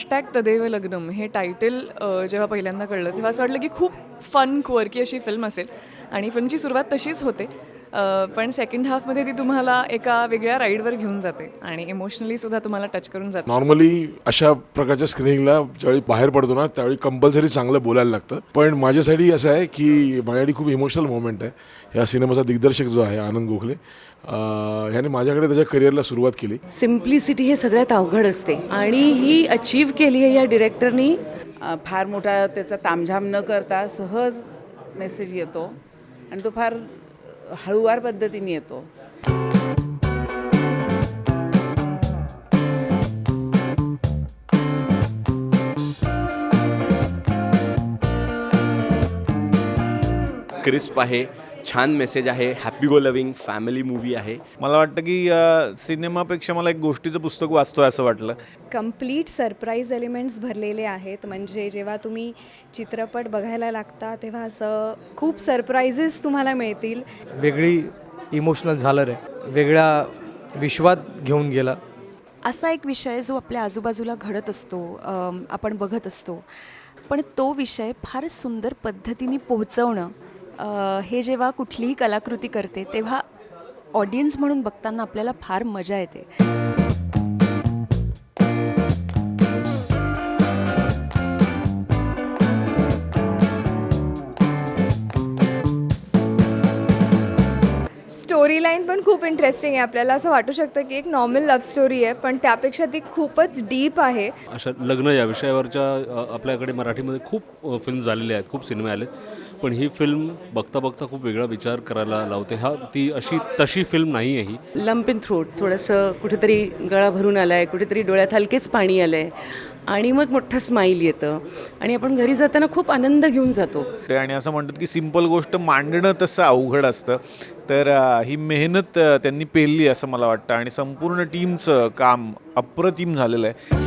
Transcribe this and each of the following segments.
Hashtag Tadev लग्नम हे title जेव्हा पहिल्यांदा कळलं तेव्हा असं वाटलं की खूप फन क्वर्की अशी फिल्म असेल आणि फिल्मची सुरुवात तशीच होते. पण सेकंड हाफमध्ये ती तुम्हाला एका वेगळ्या राईडवर घेऊन जाते आणि इमोशनली सुद्धा तुम्हाला टच करून जाते. नॉर्मली अशा प्रकारच्या स्क्रीनिंगला ज्यावेळी बाहेर पडतो ना त्यावेळी कंपल्सरी चांगलं बोलायला लागतं. पण माझ्यासाठी असं आहे की माझ्यासाठी खूप इमोशनल मोमेंट आहे. या सिनेमाचा दिग्दर्शक जो आहे आनंद गोखले ह्याने माझ्याकडे त्याच्या करिअरला सुरुवात केली. सिम्प्लिसिटी हे सगळ्यात अवघड असते आणि ही अचीव केली आहे या डिरेक्टरनी. फार मोठा त्याचा तामझाम न करता सहज मेसेज येतो आणि तो फार हळूवार पद्धतीने येतो. क्रिस्प आहे, छान मेसेज आहे, happy go loving family movie आहे. मला वाटतं की सिनेमापेक्षा मला एक गोष्टीचं पुस्तक वाचतोय असं वाटलं. कंप्लीट सरप्राईज एलिमेंट्स भरलेले आहेत. म्हणजे जेव्हा तुम्ही चित्रपट बघायला लागता तेव्हा असं खूप सरप्राईजेस तुम्हाला मिळतील. वेगळी इमोशनल झालर आहे, वेगळ्या विश्वात घेऊन गेला. असा एक विषय जो आपल्या आजूबाजूला घडत असतो, आपण बघत असतो, पण तो विषय फार सुंदर पद्धतीने पोहोचवणं हे जेव्हा कुठलीही कलाकृती करते तेव्हा ऑडियन्स म्हणून बघताना आपल्याला फार मजा येते. स्टोरी लाईन पण खूप इंटरेस्टिंग आहे. आपल्याला असं वाटू शकतं की एक नॉर्मल लव्ह स्टोरी आहे, पण त्यापेक्षा ती खूपच डीप आहे. अशा लग्न या विषयावरच्या आपल्याकडे मराठीमध्ये खूप फिल्म झालेले आहेत, खूप सिनेमे आले, पण ही फिल्म बघता बघता खूप वेगळा विचार करायला लावते. ती तशी फिल्म नाही आहे ही. लंप इन थ्रोट, थोडंसं कुठेतरी गळा भरून आला आहे, कुठेतरी डोळ्यात हलकेच पाणी आलं आहे आणि मग मोठं स्माईल येतं आणि आपण घरी जाताना खूप आनंद घेऊन जातो. आणि असं म्हणतात की सिंपल गोष्ट मांडणं तसं अवघड असतं. तर ही मेहनत त्यांनी पेलली असं मला वाटतं आणि संपूर्ण टीमचं काम अप्रतिम झालेलं आहे.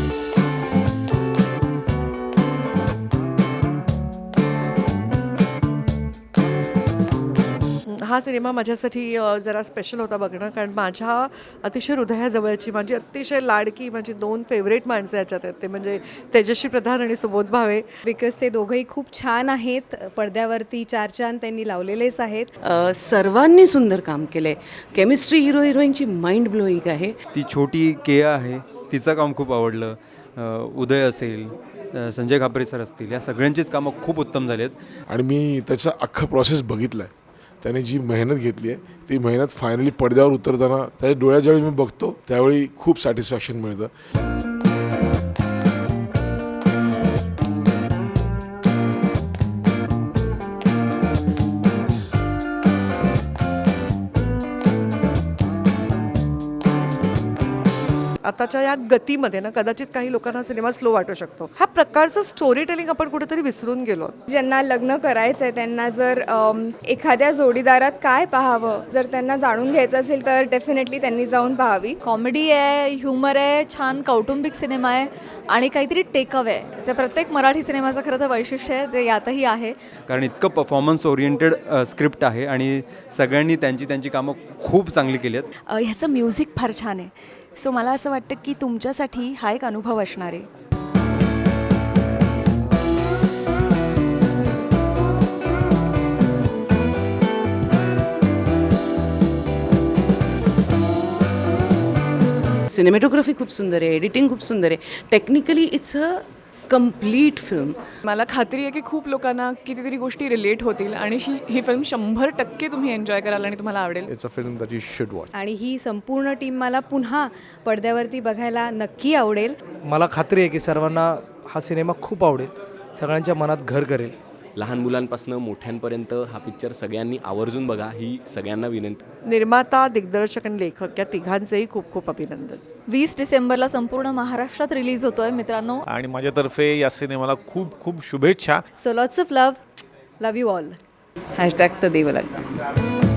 हा सिनेमा माझ्यासाठी जरा स्पेशल होता बघणं, कारण माझ्या अतिशय हृदयाजवळची, माझी अतिशय लाडकी, माझी 2 फेवरेट माणसं याच्यात आहेत. ते म्हणजे तेजश्री प्रधान आणि सुबोध भावे. बिकॉज ते दोघंही खूप छान आहेत. पडद्यावरती 4 चांद त्यांनी लावलेलेच आहेत. सर्वांनी सुंदर काम केलं आहे. केमिस्ट्री हिरो हिरोईनची माइंड ब्लोईंग आहे. ती छोटी केया आहे, तिचं काम खूप आवडलं. उदय असेल, संजय खापरे सर असतील, या सगळ्यांचीच कामं खूप उत्तम झाली आहेत. आणि मी त्याचा अख्खा प्रोसेस बघितला आहे. त्याने जी मेहनत घेतली आहे ती मेहनत फायनली पडद्यावर उतरताना त्याच्या डोळ्यात ज्यावेळी मी बघतो त्यावेळी खूप सॅटिस्फॅक्शन मिळतं. आताच्या या गतीमध्ये ना कदाचित काही लोकांना सिनेमा स्लो वाटू शकतो. हा प्रकारचं स्टोरी टेलिंग आपण कुठेतरी विसरून गेलो. ज्यांना लग्न करायचं आहे त्यांना जर एखाद्या जोडीदारात काय पाहावं जर त्यांना जाणून घ्यायचं असेल तर डेफिनेटली त्यांनी जाऊन पाहावी. कॉमेडी आहे, ह्युमर आहे, छान कौटुंबिक सिनेमा आहे आणि काहीतरी टेकअवे आहे. त्याचं प्रत्येक मराठी सिनेमाचं खरं तर वैशिष्ट्य आहे, ते यातही आहे. कारण इतकं परफॉर्मन्स ओरिएंटेड स्क्रिप्ट आहे आणि सगळ्यांनी त्यांची कामं खूप चांगली केली आहेत. ह्याचं म्युझिक फार छान आहे. सो मला असं वाटतं की तुमच्यासाठी हा एक अनुभव असणार आहे. सिनेमॅटोग्राफी खूप सुंदर आहे, एडिटिंग खूप सुंदर आहे. Technically it's a complete film. मला खात्री आहे की खूप लोकांना कितीतरी गोष्टी रिलेट होतील आणि ही फिल्म 100% तुम्ही एन्जॉय कराल आणि तुम्हाला आवडेल. It's a film that you should watch. आणि ही संपूर्ण टीम मला पुन्हा पडद्यावरती बघायला नक्की आवडेल. मला खात्री आहे की सर्वांना हा सिनेमा खूप आवडेल, सगळ्यांच्या मनात घर करेल. लहान मुलांपासून मोठ्यांपर्यंत हा पिक्चर सगळ्यांनी आवर्जून बघा ही सगळ्यांना विनंती. निर्माता, दिग्दर्शक आणि लेखक या तिघांचेही खूप खूप अभिनंदन. 20 डिसेंबरला संपूर्ण महाराष्ट्रात रिलीज होतोय मित्रांनो. आणि माझ्यातर्फे या सिनेमाला खूप खूप शुभेच्छा. So lots of love you all. Hashtag Tadev लग्नम.